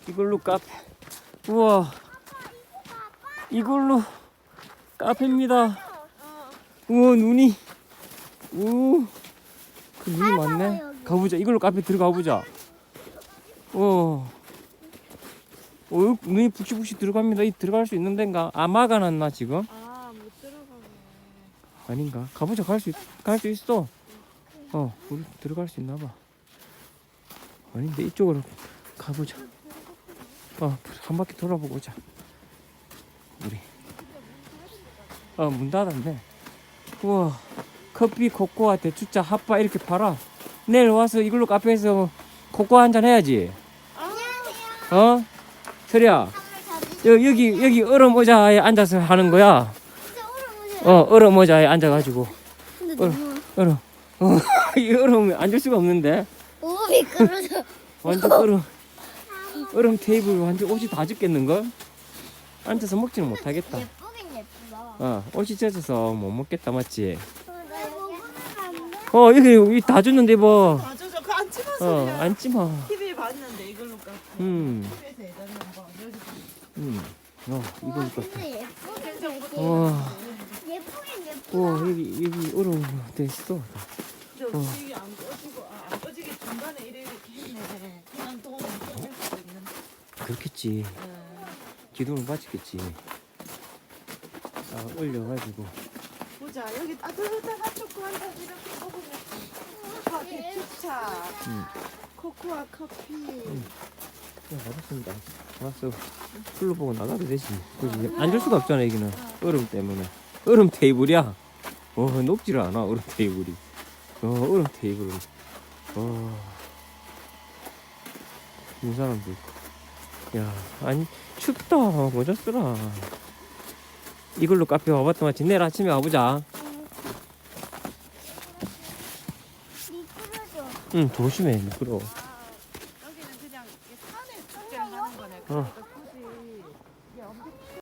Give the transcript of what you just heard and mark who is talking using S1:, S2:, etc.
S1: 이걸로 카페. 우와. 이걸로 카페입니다. 우와, 눈이. 우. 그 눈이 많네. 가보자. 이걸로 카페 들어가 보자. 눈이 북시북시 들어갑니다. 이 들어갈 수 있는 데인가? 아, 막아놨나 지금?
S2: 못 들어가네.
S1: 아닌가? 가보자. 갈 수 있어. 우리 들어갈 수 있나 봐. 아닌데 이쪽으로 가보자. 한 바퀴 돌아보고 오자. 우리. 문 닫았네. 우와. 커피, 코코아, 대추차, 핫바 이렇게 팔아. 내일 와서 이걸로 카페에서 코코아 한잔 해야지.
S3: 안녕하세요.
S1: 설이야. 여기 얼음 의자에 앉아서 하는 거야.
S3: 진짜 얼음 오세요.
S1: 얼음 의자에 앉아가지고.
S3: 근데 너무
S1: 얼음. 이 얼음에 앉을 수가 없는데.
S3: 너무 미끄러져.
S1: 완전 얼음 테이블 완전 옷이 다 젖겠는걸? 앉아서 먹지는 못하겠다.
S3: 예쁘긴 예쁘다.
S1: 옷이 젖어서 못 먹겠다, 맞지?
S3: 나 먹으면 안 돼?
S1: 여기 다 줬는데 뭐.
S2: 맞아, 저거 안 찍어서
S1: 앉지 마.
S2: TV에 봤는데 이걸로 깎아.
S1: 음.
S2: TV에서 예전에 한번 여기
S1: 이거
S3: 와,
S1: 이거.
S3: 근데 예쁘긴 예쁘긴
S1: 와,
S3: 예쁘다.
S1: 여기 얼음 돼 있어.
S2: 저 TV 안 꺼지고 안 꺼지게 중간에 이렇게 했네. 그냥 돈 꺼질 수도 있는데.
S1: 그렇겠지. 기둥을 맞췄겠지. 올려가지고.
S2: 보자, 여기 따뜻한 초코 한 잔 이렇게 먹으면 코코아 대추차, 코코아 커피.
S1: 알았습니다. 알았어. 풀로 보고 나가도 되지. 그지? 앉을 수가 없잖아, 여기는. 얼음 때문에. 얼음 테이블이야. 높지를 않아, 얼음 테이블이. 얼음 테이블. 이 사람도 있고. 야, 아니, 춥다. 모자 쓰라. 이걸로 카페 와봤더만 내일 아침에 와보자.
S3: 미끄러져.
S1: 응, 조심해. 미끄러워.
S2: 여기는 그냥 산에 축제를 하는 거네.